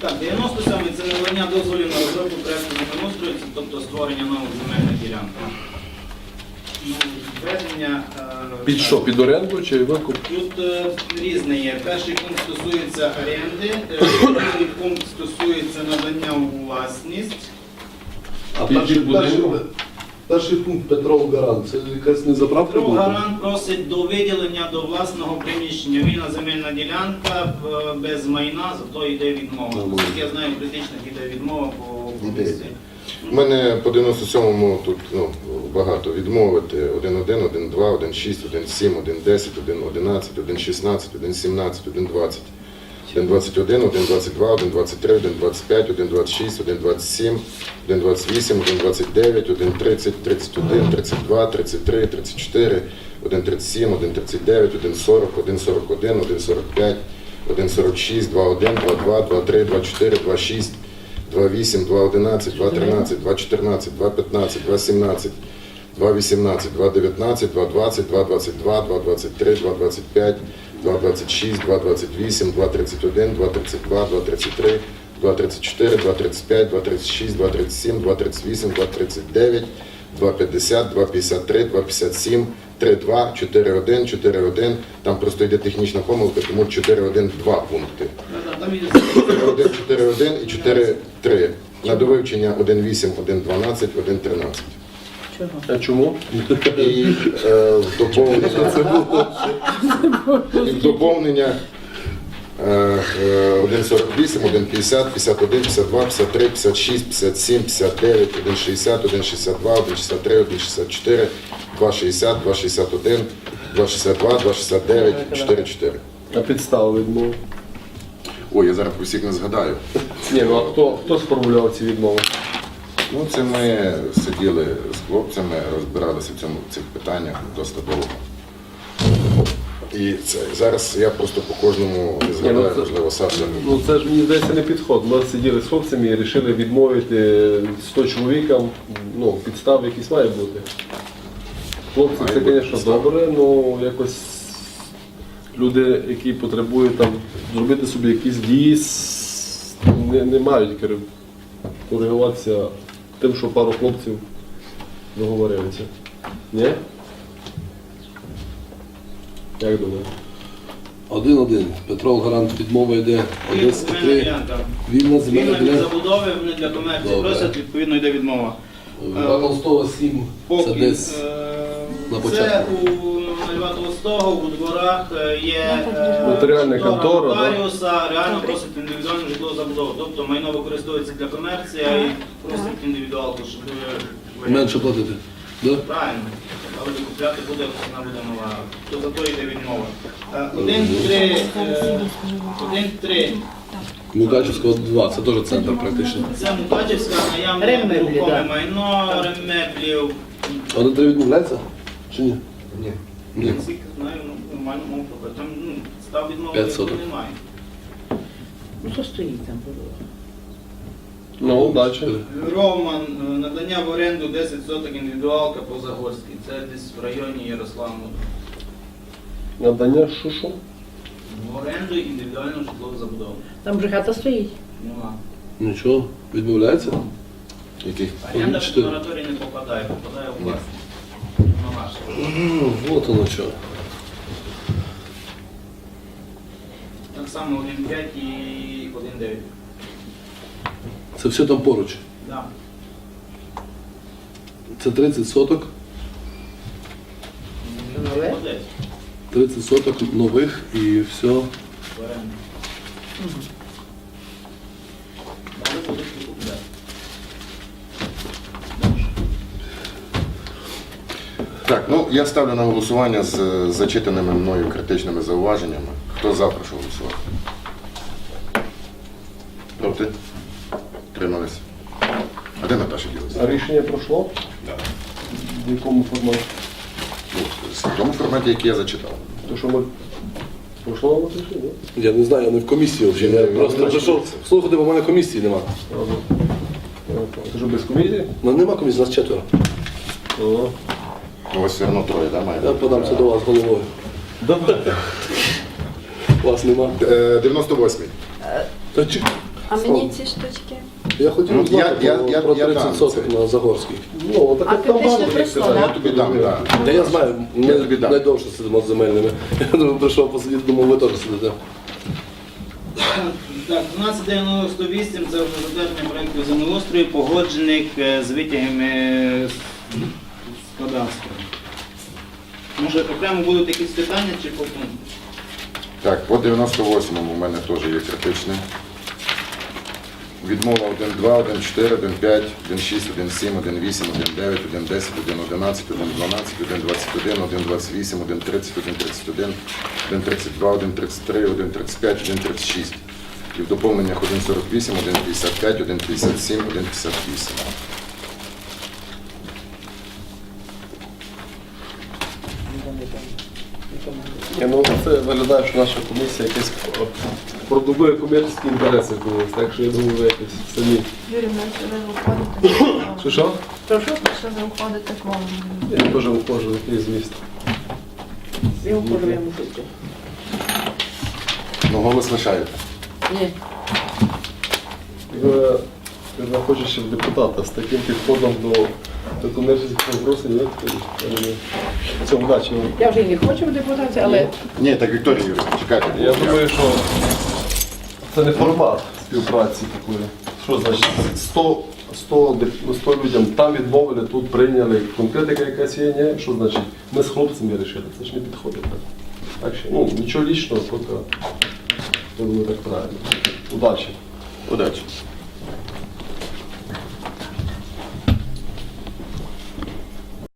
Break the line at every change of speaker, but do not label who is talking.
Так, 97-й – це надання дозволів на розробку проєкту землеустрою, тобто створення нових земельних ділянок. Ведення,
Під що? Під оренду чи викуп?
тут різне є. Перший пункт стосується оренди, другий пункт стосується надання у власність.
А
Під будинок?
перший пункт Петров Гарант, це якась не заправка
Петро
була?
Гарант просить до виділення до власного приміщення. Вільна земельна ділянка без майна, зато йде відмова. Наскільки я знаю, критичних йде відмова по комісії.
У мене по 97-му тут багато відмовити. 1.1, 1.2, 1.6, 1.7, 1.10, 1.11, 1.16, 1.17, 1.20. 1.21, 1.22, 1.23, 1.25, 1.26, 1.27, 1.28, 1.29, 1.30, 31, 32, 33, 34, 1.37, 1.39, 1.40, 1.41, 1.45, 1.46, 2.1, 2.2, 2.3, 2.4, 2.6, 2.8, 2.11, 2.13, 2.14, 2.15, 2.17, 2.18, 2.19, 2.20, 2.22, 2.23, 2.25, 2.26, 2.28, 2.31, 2.32, 2.33, 2.34, 2.35, 2.36, 2.37, 2.38, 2.39, 2.50, 2.53, 2.57, 3.2, 4.1, 4.1. Там просто йде технічна помилка, тому 4.1 два пункти. 4.1, 4.1 і 4.3. На довивчення 1.8, 1.12, 1.13.
А чому?
І в доповнення 1.48, 1.50, 51, 52, 53, 56, 57, 59, 1.60, 1.62, 1.63, 1.64, 2.60, 2.61, 2.62, 2.69, 4.4.
А підстави відмови?
Ой, я зараз про всіх не згадаю.
Ні, ну а хто сформулював ці відмови?
Ну, це ми сиділи з хлопцями, розбиралися в цих питаннях досить довго. І це, зараз я просто по кожному не згадаю, можливо, Саша.
Ну це ж, мені здається, не підход. Ми сиділи з хлопцями і вирішили відмовити 100 чоловікам, ну, підстав якісь має бути. Хлопці,
Має
це,
бути
звісно,
підстав.
добре, але якось люди, які потребують там зробити собі якісь дії, не мають коригуватися тим, що пару хлопців договорилися. Ні? Як думаєте?
1.1. Петров Гарант відмова йде.
Вільна
1.3.
ділянка.
Вільна земельна
Вільна від
ділянка.
забудови, вони для комерції
Добре.
просять, відповідно йде відмова.
Толстого 7. Це
Поки
десь на
це
початку.
у Льва Толстого, у дворах є
Нотаріальна контора, да?
нотаріуса, реально просить індивідуальну житлову забудову. Тобто майно використовується для комерції, а і просить індивідуалку, щоб
Менше платити. Да?
правильно. Але купляти буде, вона буде нова. То за то йде відмова. 1.3.
Мукачівського 2. Це теж центр практично.
Це Мукачівська, наявне
Реммеблі,
нерухоме
да.
майно, ремеблів.
1.3 відмовляється? Чи ні?
Ні.
Ні.
Я наскільки знаю, нормально мов про там став відмови
5 соток.
немає.
Ну що стоїть там?
Ну, удачі.
Роман, надання в оренду 10 соток індивідуалка по Загорській. Це десь в районі Ярославного.
Надання шушу.
В оренду індивідуальну житлову забудову.
Там же хата стоїть.
Нема.
Нічого. Відмовляється?
Який?
Оренда в
4.
мораторій не попадає у власність. На ваше.
Вот воно що.
Так само 1.5 і 1.9.
Це все там поруч.
Да.
Це 30 соток.
Нове?
Молодець.
30 соток нових і все.
В оренду. Далі будуть викупляти.
Так, ну я ставлю на голосування з зачитаними мною критичними зауваженнями. Хто за, прошу голосувати. Проти? Тримались. А де Наташа ділася?
А рішення пройшло?
Так.
В якому форматі?
Ну, в тому форматі, який я зачитав.
То що ми пройшло на рішення?
Я не знаю, я не в комісії вже. Я просто прийшов слухати, бо в мене комісії нема.
Це ж без комісії?
Ну нема комісії, нас 4.
О.
У вас все одно троє, так, має?
Я подамся до вас головою.
Добре.
Вас нема.
98-й.
Та чи...
А мені ці штучки.
Я хотів
Ну,
знати про
я
30
дам
соток
це.
на Загорській. Ну, так
А
там
ти ще
багато
прийшла,
їх,
да?
Я тобі дам, так.
Та я знаю,
Я
ми
тобі дам.
найдовше сидимо з земельними. Я думаю, прийшов посидіти, думав, ви теж сидите.
Так, 1298 це вже затвердження проєкту землеустрою, погоджених з витягами з кадастру. Може окремо будуть якісь питання чи потім?
Так, по 98-му у мене теж є критичне. Відмова 1.2, 1.4, 1.5, 1.6, 1.7, 1.8, 1.9, 1.10, 1.11, 1.12, 1.21, 1.28, 1.30, 1.31, 1.32, 1.33, 1.35, 1.36. І в доповненнях 1.48, 1.55, 1.57, 1.58.
Ну, це виглядає, що наша комісія якась продумує комерційні інтереси колись, так що я думаю, ви якось самі.
Юрій, ми сюди виходити.
Що?
Прошу, що ви виходите к вам.
Я теж виходжу в якийсь зміст.
Я вхожу, я мушу йти.
Ну, голос лишаєте.
Ні.
Ви знаходиш ще в депутата з таким підходом до комерційних вопросів, ні? Це удачі вам.
Я вже і не хочу в депутаті, але
Ні, так, Вікторія Юрійовна, чекайте.
Я думаю, що це не формат співпраці такої. Що значить 100 людям там відмовили, тут прийняли. Конкретика якась є, ні? Що значить ми з хлопцями вирішили? Це ж не підходить. Так що, ну, нічого лічного, тільки я думаю, так правильно. Удачі.
Удачі.